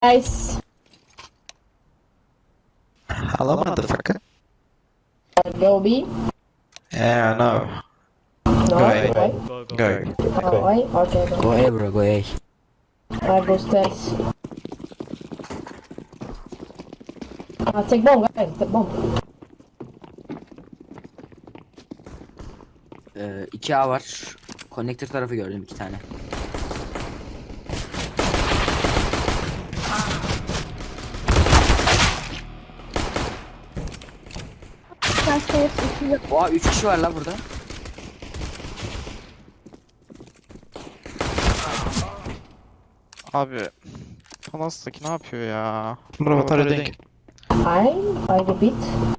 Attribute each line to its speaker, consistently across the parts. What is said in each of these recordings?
Speaker 1: Guys,
Speaker 2: Hello, motherfucker.
Speaker 1: go B.
Speaker 2: Yeah, no.
Speaker 1: No,
Speaker 2: Go A.
Speaker 1: why?
Speaker 2: Go.
Speaker 1: Oh, why? Okay, go.
Speaker 3: Go A bro, go A.
Speaker 1: I go stairs. Take bomb, guys. Take bomb.
Speaker 3: 2A var. Connector tarafı gördüm 2 tane. Oha 3 kişi var la burada.
Speaker 2: Abi. Palas'taki ne yapıyor ya? Bro, what are you doing?
Speaker 1: I repeat.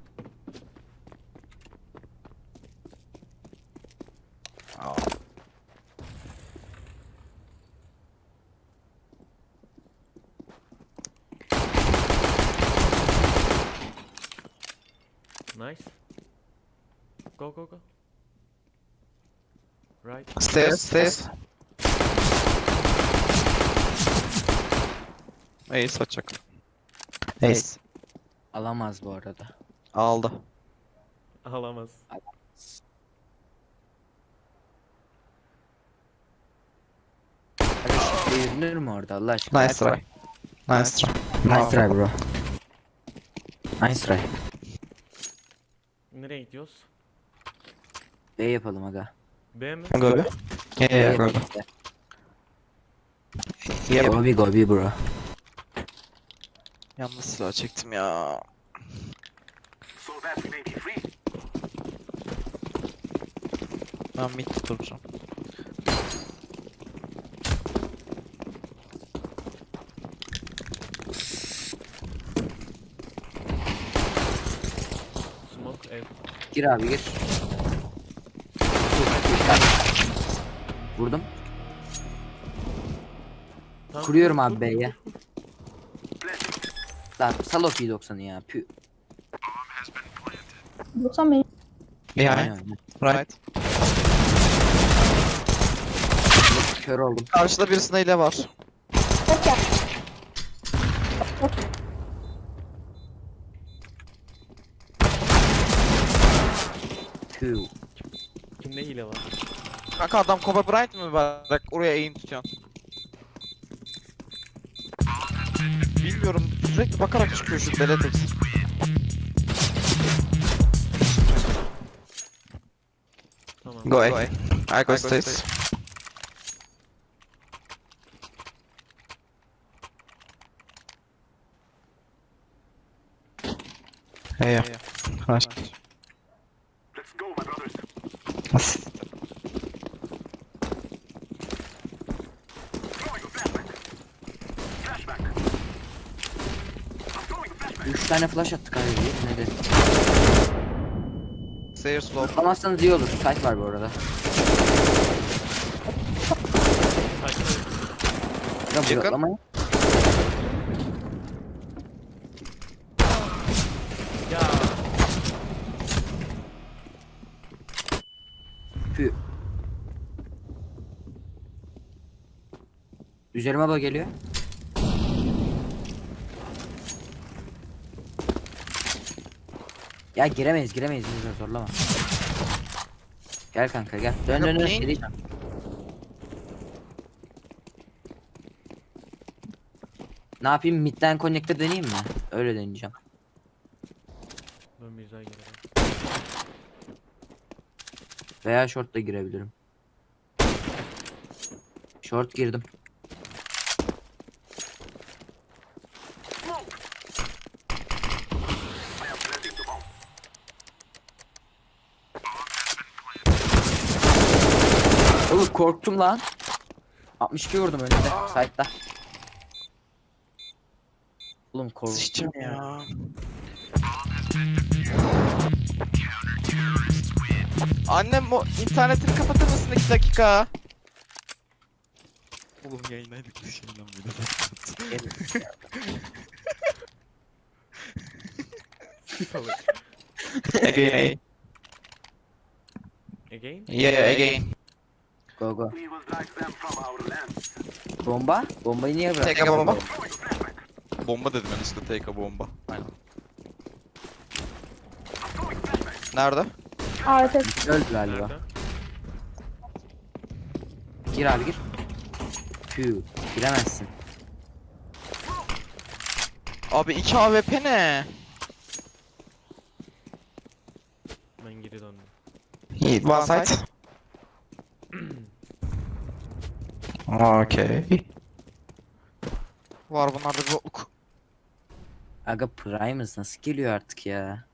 Speaker 4: Nice. Go. Right.
Speaker 2: Stairs. Ace açacak. Ace.
Speaker 3: Alamaz bu arada.
Speaker 2: Aldı.
Speaker 4: Alamaz.
Speaker 3: Hadi yürünür mü orada Allah aşkına?
Speaker 2: Nice try. Nice try.
Speaker 3: Nice try bro. Nice try.
Speaker 4: Nereye gidiyoruz?
Speaker 3: B yapalım aga.
Speaker 4: B mi?
Speaker 2: Go be. Yeah, go be. Yep.
Speaker 3: Go B bro.
Speaker 2: Yanlış silah çektim ya. Ben mid tutacağım.
Speaker 4: Smoke ev.
Speaker 3: Gir abi gir. Vurdum.
Speaker 4: Tamam,
Speaker 3: Kuruyorum
Speaker 4: dur,
Speaker 3: abi
Speaker 4: dur,
Speaker 3: B'ye.
Speaker 4: dur, dur.
Speaker 3: Lan sal o P90'ı ya. Pü.
Speaker 1: 90 benim.
Speaker 2: Behind.
Speaker 3: Aynen.
Speaker 2: Right.
Speaker 3: Kör oldum.
Speaker 2: Karşıda birisinde hile var.
Speaker 3: Pü.
Speaker 4: Kimde hile var?
Speaker 2: Kanka adam Kobe Bryant mı var? Bak oraya aim tutuyorsun. Bilmiyorum. Sürekli bakarak çıkıyor şu Beletex.
Speaker 4: Tamam.
Speaker 2: Go A. I go stairs. Yeah. Nice. Let's
Speaker 3: 3 tane flash attık abi. Ne de.
Speaker 2: Stairs slow.
Speaker 3: Tutamazsanız iyi olur. Site var bu arada.
Speaker 4: Sakin ol.
Speaker 3: Ya
Speaker 2: Yakın.
Speaker 3: bloklamayın.
Speaker 4: Ya.
Speaker 3: Pü. Üzerime bak geliyor. Ya giremeyiz bizi zorlama. Gel kanka gel. Dön dön dön.
Speaker 2: Yapmayın.
Speaker 3: Geleceğim. Ne yapayım midden connector deneyeyim mi? Öyle deneyeceğim.
Speaker 4: Ben bir güzel gelirim.
Speaker 3: Veya short da girebilirim. Short girdim. Oğlum korktum lan. 62 vurdum önünde. Side'da. Oğlum korktum.
Speaker 2: Sıçacağım ya. Annem o internetini kapatır mısın 2 dakika? Oğlum yayındaydık biz şeyden Again.
Speaker 4: Again?
Speaker 2: Yeah, again.
Speaker 3: Go go. Bomba? Bombayı niye bıraktın?
Speaker 2: Tek bomba. Bomba dedim ben işte, take a bomba. Aynen. Nerede?
Speaker 1: AWP.
Speaker 3: Öldü galiba.
Speaker 4: Nerede?
Speaker 3: Gir abi gir. Tüh. Giremezsin.
Speaker 2: Abi 2 AWP ne?
Speaker 4: Ben geri döndüm.
Speaker 2: Yiğit, one side. Okay. Var bunlarda bir bokluk.
Speaker 3: Aga Primus nasıl geliyor artık ya?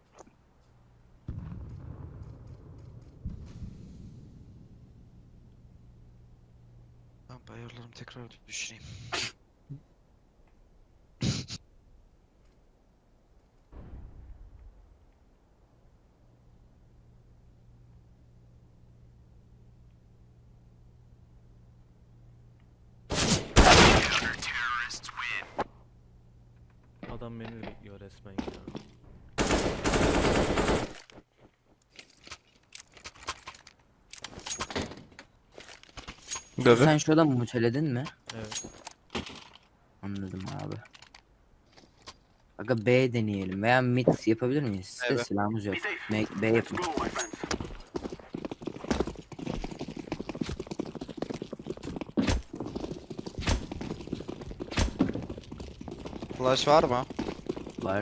Speaker 2: Ben ayarlarımı tekrar düşüneyim.
Speaker 4: Adam beni bekliyor resmen ya.
Speaker 3: Sen şurada mı muteledin mi?
Speaker 4: Evet.
Speaker 3: Anladım abi. Aga B deneyelim veya mid yapabilir miyiz? Sizde
Speaker 2: Evet.
Speaker 3: silahımız yok. B yapın.
Speaker 2: Flash var mı?
Speaker 3: Var.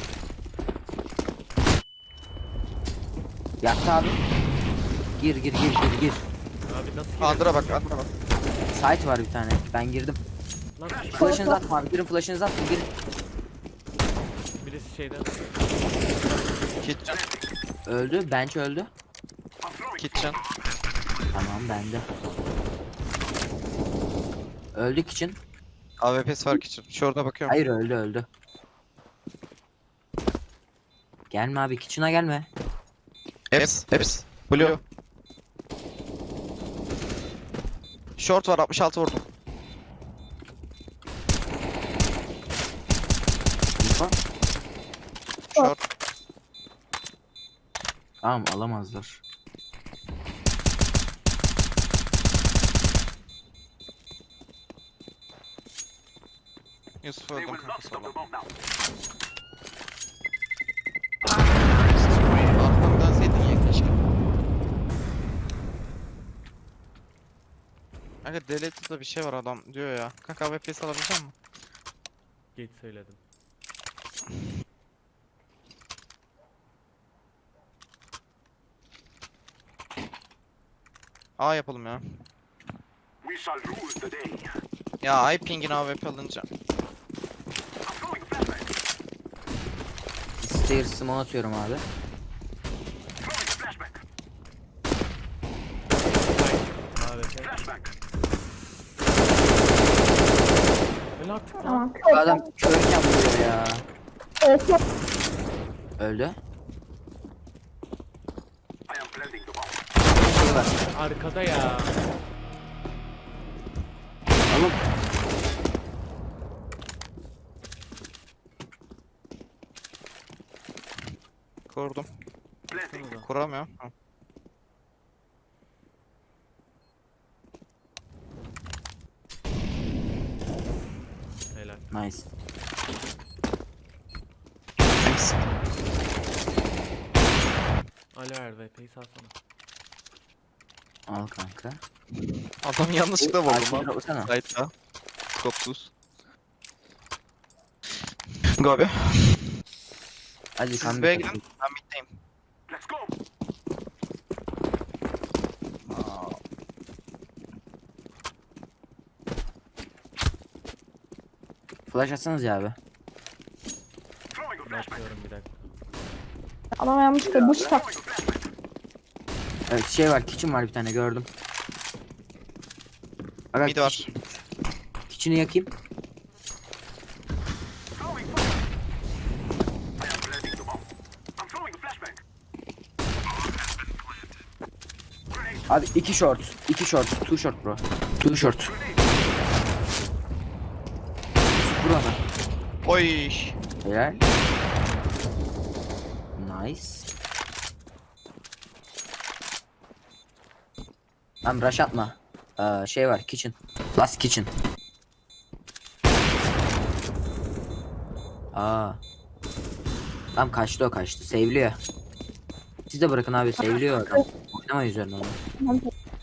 Speaker 3: Yaktı abi. Gir.
Speaker 4: Abi nasıl
Speaker 2: Under'a bak, Under'a bak.
Speaker 3: Site var bir tane. Ben girdim.
Speaker 4: Lan
Speaker 3: Flash'ınızı atma abi. Girin flash'ınızı atın. Girin.
Speaker 4: birisi şeyden.
Speaker 2: Kitchen.
Speaker 3: Öldü. Bench öldü.
Speaker 2: Kitchen.
Speaker 3: Tamam bende. Öldü için.
Speaker 2: AWP'si var kitchen. Şurada bakıyorum.
Speaker 3: Hayır öldü. Gelme abi kitchen'a gelme.
Speaker 2: Eps. Blue. Short var, 66 vurdum.
Speaker 3: Info.
Speaker 2: Short.
Speaker 3: Tamam alamazlar.
Speaker 2: Yusuf öldüm kanka sola. Arkamdan dönseydin ya keşke. Kanka delete'da bir şey var adam diyor ya. Kanka AWP'si alabilecek misin?
Speaker 4: Geç söyledim.
Speaker 2: A yapalım ya. Ya iPing'in AWP alınca.
Speaker 3: Stair smoke atıyorum abi.
Speaker 4: AWP. Öyle artık lan.
Speaker 1: Tamam.
Speaker 3: Bu adam körken vuruyor ya.
Speaker 1: Evet.
Speaker 3: Öldü.
Speaker 4: Arkada ya.
Speaker 3: Oğlum
Speaker 2: Kurdum.
Speaker 4: Baksanıza.
Speaker 2: Kuramıyorum. Ha.
Speaker 4: Helal.
Speaker 3: nice.
Speaker 2: Thanks.
Speaker 4: Alo RVP'yi salsana.
Speaker 3: Al kanka.
Speaker 2: Adam yanlışlıkla vurdum
Speaker 3: Arkaya
Speaker 2: lan.
Speaker 3: baksana.
Speaker 2: Sight'ta. Skopsuz. Go abi.
Speaker 3: Hadi
Speaker 2: Siz
Speaker 3: kan
Speaker 2: B'ye
Speaker 3: bir
Speaker 2: gidin. Ben mid'deyim. Aa,
Speaker 3: flash atsanız ya abi.
Speaker 4: Bakıyorum bir dakika.
Speaker 1: Adam yanlışlıkla bu tak.
Speaker 3: Evet şey var kitchen var bir tane gördüm. Aga,
Speaker 2: Mid var.
Speaker 3: Kitchen'ı yakayım. Abi 2 short, 2 short, 2 short bro. 2 short. Vur ona.
Speaker 2: Oy.
Speaker 3: Helal. Nice. Tamam rush atma. Şey var kitchen. Last kitchen. Aa. Tam kaçtı, o kaçtı. Sevliyor. Siz de bırakın abi, sevliyor adam. Oynama üzerine onu.
Speaker 1: Tamam.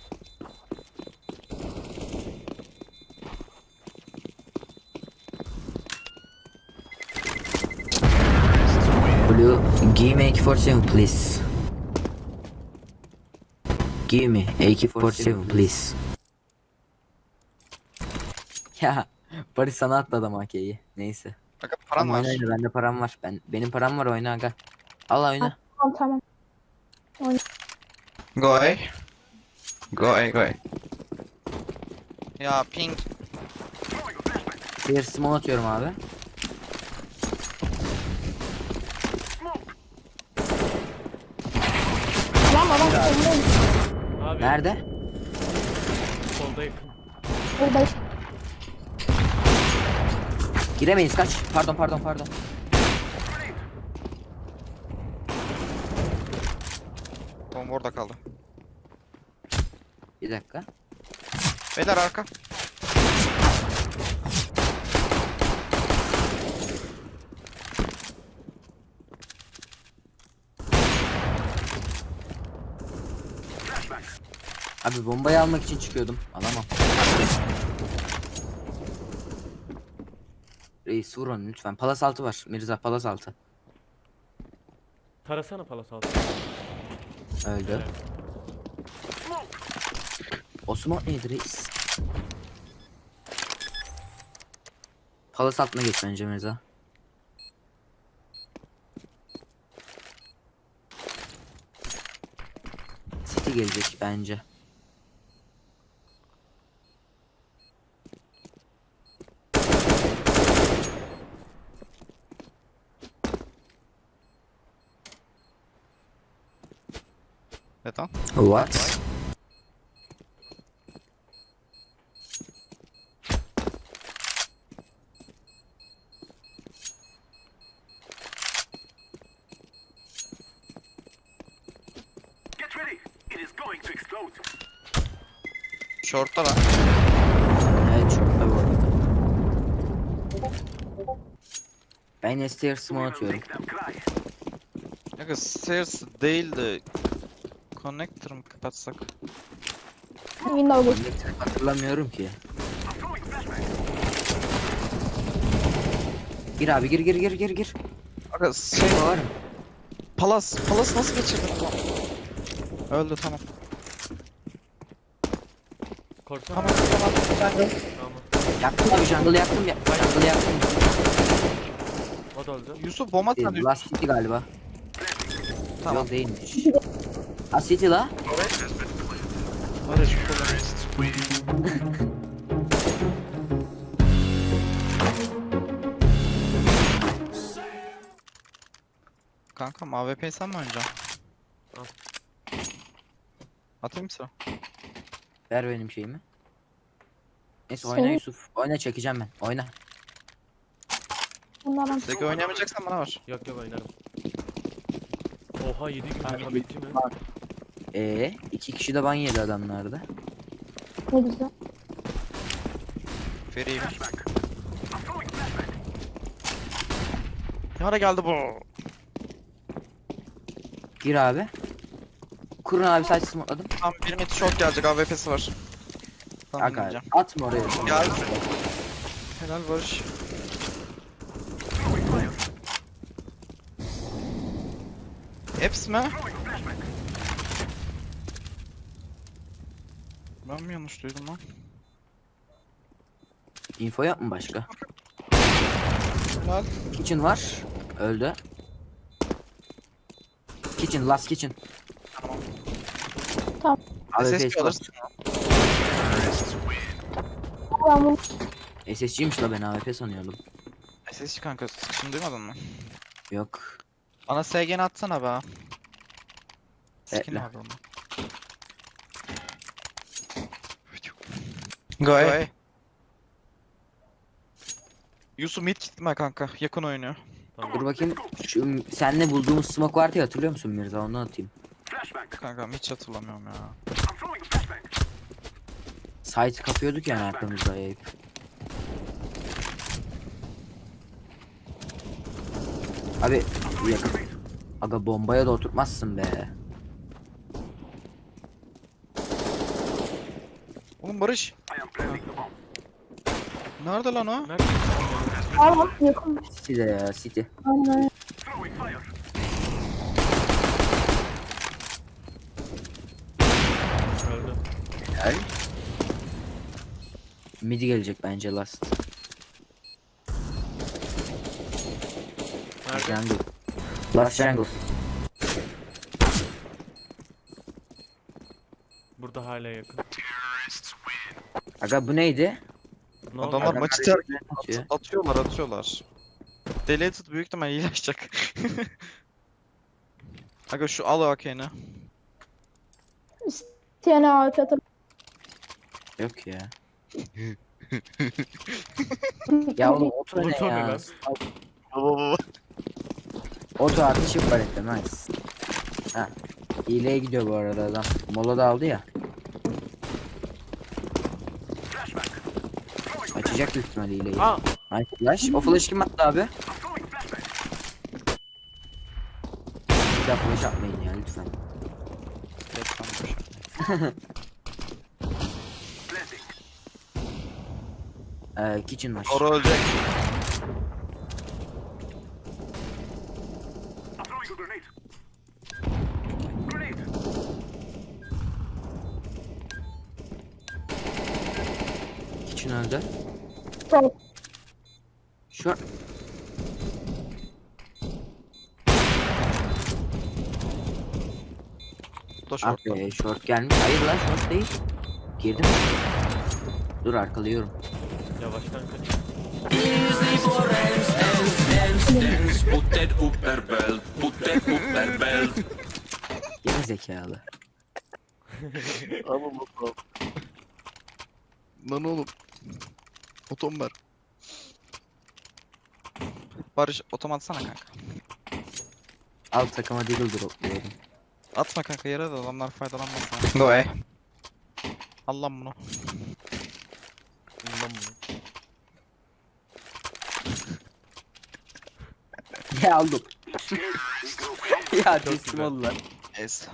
Speaker 3: Blue, give me AK-47 please. Give me AK-47 please. Ya Barış sana attı adam AK'yi. Neyse.
Speaker 2: Aga param
Speaker 3: Tamam,
Speaker 2: var.
Speaker 3: oyna, bende param var. Benim param var, oyna aga. Al oyna.
Speaker 1: Tamam.
Speaker 2: Go A. Go A, go A. Ya ping.
Speaker 3: Bir smoke atıyorum abi.
Speaker 1: Lan adam solundayım.
Speaker 4: Abi
Speaker 3: Nerede?
Speaker 4: solda yakın.
Speaker 1: Burada
Speaker 3: Giremeyiz, kaç. Pardon.
Speaker 2: Bomba orada kaldı.
Speaker 3: Bir dakika.
Speaker 2: Beyler arka.
Speaker 3: Abi bombayı almak için çıkıyordum. Alamam. Reis vur onu lütfen. Palas altı var. Mirza palas altı.
Speaker 4: Tarasana palas altı.
Speaker 3: Öldü.
Speaker 4: Evet.
Speaker 3: Osman neydi reis? Palas altına geç bence Mirza. City gelecek bence.
Speaker 2: Neden?
Speaker 3: What?
Speaker 2: Short'ta lan.
Speaker 3: Evet çok da bu arada. Ben STR smoke atıyorum.
Speaker 2: Aga stairs değil de connector mı kapatsak?
Speaker 1: Windows geç.
Speaker 3: Hatırlamıyorum ki. Gir abi, gir.
Speaker 2: Aga şey
Speaker 3: Var mı?
Speaker 2: Palas nasıl geçirdin lan? Öldü tamam.
Speaker 4: Korksana.
Speaker 2: Tamam.
Speaker 4: Tamam.
Speaker 3: Yaktım abi, jungle yaktım ya. Jungle yaktım.
Speaker 4: O da öldü.
Speaker 2: Yusuf bomba
Speaker 3: Değil,
Speaker 2: tanıyor.
Speaker 3: Last City galiba.
Speaker 2: Tamam.
Speaker 3: Yok değilmiş. Ha City la.
Speaker 2: Barış Kanka AWP'yi sen mi oynayacaksın?
Speaker 4: Al.
Speaker 2: Atayım mı sıra?
Speaker 3: Ver benim şeyimi. Neyse
Speaker 1: Senin-
Speaker 3: oyna Yusuf. Oyna, çekeceğim ben. Oyna.
Speaker 1: Bunlardan
Speaker 2: Segi oynayamayacaksan bana var.
Speaker 4: Yok oynarım. Oha 7 gün rekabetçi mi?
Speaker 3: İki kişi de ban yedi adamlarda.
Speaker 1: ne güzel.
Speaker 2: Vereyim. Ne ara geldi bu?
Speaker 3: Gir abi. Kurun abi, sadece smokeladım.
Speaker 2: Tam bir mid short gelecek AWP'si var. Tamam
Speaker 3: Aga
Speaker 2: oynayacağım.
Speaker 3: atma oraya.
Speaker 2: Gel. Helal Barış. Eps mi? Ben mi yanlış duydum lan?
Speaker 3: Info yok mu başka?
Speaker 2: Helal.
Speaker 3: Kitchen var. Öldü. Kitchen, last kitchen.
Speaker 1: Tamam.
Speaker 3: Abi
Speaker 2: SSG
Speaker 3: face
Speaker 2: alırsın.
Speaker 1: Ben bunu
Speaker 3: SSG'ymiş la, ben AWP sanıyordum.
Speaker 2: SSG kanka şimdi duymadın mı?
Speaker 3: Yok.
Speaker 2: Bana SG'ni atsana be. Skin
Speaker 3: Bekle.
Speaker 2: abi onu. Go Yusuf mid gitme kanka. Yakın oynuyor.
Speaker 3: Dur bakayım. Şu senle bulduğumuz smoke vardı ya, hatırlıyor musun Mirza? Onu atayım.
Speaker 2: Kanka hiç hatırlamıyorum ya.
Speaker 3: Site kapıyorduk yani arkamızda ayıp. Abi yakın. Aga bombaya da oturtmazsın be.
Speaker 2: Oğlum Barış. Nerede lan o?
Speaker 4: Nerede?
Speaker 1: Var yakın.
Speaker 3: City'de ya City.
Speaker 1: Aynen.
Speaker 4: Öldü.
Speaker 3: Gel. Midi gelecek bence last.
Speaker 4: Nerede?
Speaker 3: Jungle. Last jungle.
Speaker 4: Burada hala yakın.
Speaker 3: Aga bu neydi?
Speaker 4: Ne oldu?
Speaker 2: Adamlar maçı terk
Speaker 3: Atıyor.
Speaker 2: atıyorlar. Deleted büyük ihtimal iyileşecek. Aga şu al AK'ni.
Speaker 1: İsteyene AWP atalım.
Speaker 3: Yok ya. Ya oğlum oto ne
Speaker 4: Oto ne
Speaker 3: ya?
Speaker 4: lan?
Speaker 2: Baba.
Speaker 3: Oto artı çift palette nice. Ha. Hileye gidiyor bu arada adam. Mola da aldı ya. Açacak büyük ihtimalle hileyi.
Speaker 4: Aa!
Speaker 3: Nice flash. O flash kim attı abi? Bir daha flash atmayın ya lütfen. Kitchen var.
Speaker 2: Ora ölecek.
Speaker 3: Kitchen öldü.
Speaker 1: Tamam.
Speaker 3: Şu
Speaker 2: Bu da
Speaker 3: ah
Speaker 2: short.
Speaker 3: be short gelmiş. Hayır lan short değil. Girdi mi? Dur arkalıyorum.
Speaker 4: Yavaştan kaç.
Speaker 5: Put that upper belt, put that upper belt.
Speaker 3: Geri zekalı.
Speaker 2: Ama bakalım. Lan oğlum. Otom ver. Barış otom atsana kanka.
Speaker 3: Alt takıma deagle dropluyorum.
Speaker 2: Atma kanka yere de adamlar faydalanmasın. No way. Al lan bunu.
Speaker 4: Bundan bunu.
Speaker 3: Ya aldım. Ya
Speaker 4: Çok
Speaker 3: teslim
Speaker 4: güzel.
Speaker 3: oldular.
Speaker 2: Neyse.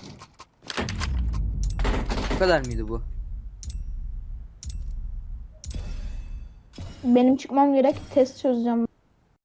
Speaker 3: Bu kadar mıydı bu?
Speaker 1: Benim çıkmam gerek. Test çözeceğim.